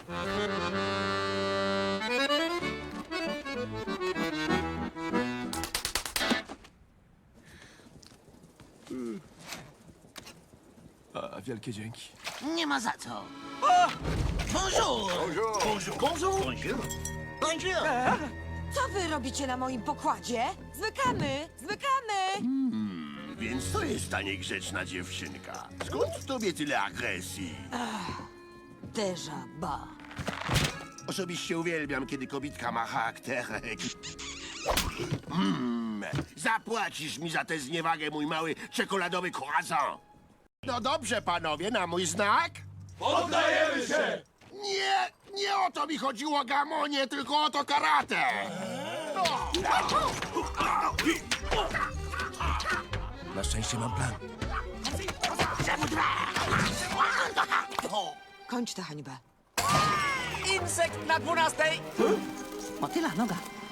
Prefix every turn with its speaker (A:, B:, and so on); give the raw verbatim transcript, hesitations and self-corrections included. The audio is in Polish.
A: A, wielkie dzięki.
B: Nie ma za co. Bonjour! Bonjour! Bonjour! Bonjour! Bonjour!
C: Co wy robicie na moim pokładzie? Zmykamy! Zmykamy!
D: Więc to jest ta niegrzeczna dziewczynka. Skąd w tobie tyle agresji?
C: Déjà ba.
D: Osobiście uwielbiam, kiedy kobitka ma charakterek. Mm, zapłacisz mi za tę zniewagę, mój mały czekoladowy croissant. No dobrze, panowie, na mój znak?
A: Poddajemy się!
D: Nie, nie o to mi chodziło, Gamonie, tylko o to karate.
A: Na szczęście mam plan.
C: Kończ tę hańbę.
B: Insekt na dwunastej! Motyla noga.